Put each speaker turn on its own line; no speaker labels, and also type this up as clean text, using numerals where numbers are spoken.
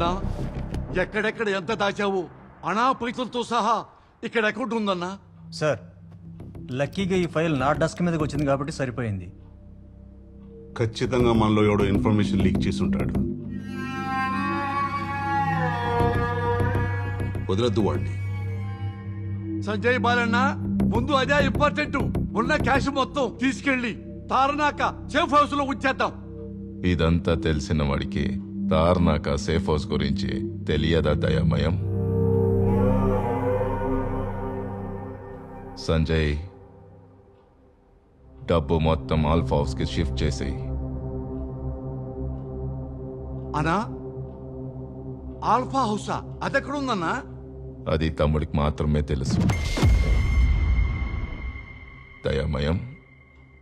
అన్నా ఎక్కడెక్కడ ఎంత దాచావు అనా పైసలతో సహా ఇక్కడ అకౌంట్ ఉందన్నా.
సార్ లక్కీగా ఈ ఫైల్ నా డెస్క్ మీదకి వచ్చింది కాబట్టి సరిపోయింది.
ఖచ్చితంగా మనలో ఎవడో ఇన్ఫర్మేషన్ లీక్ చేసి ఉంటాడు. వదలద్దు వాడిని.
సంజయ్ బాలన్న ముందు అదే ఇంపార్టెంట్. ఉన్న క్యాష్ మొత్తం తీసుకెళ్లి తారనాక సేఫ్ హౌస్ లో ఉంచేద్దాం.
ఇదంతా తెలిసిన వాడికి తార్నాక సేఫ్ హౌస్ గురించి తెలియదా దయామయం? సంజయ్ డబ్బు మొత్తం ఆల్ఫా హౌస్ కి షిఫ్ట్ చేసేయి.
అనా ఆల్ఫా హౌసా? అదెక్కడుందన్నా?
అది తమ్ముడికి మాత్రమే తెలుసు. దయామయం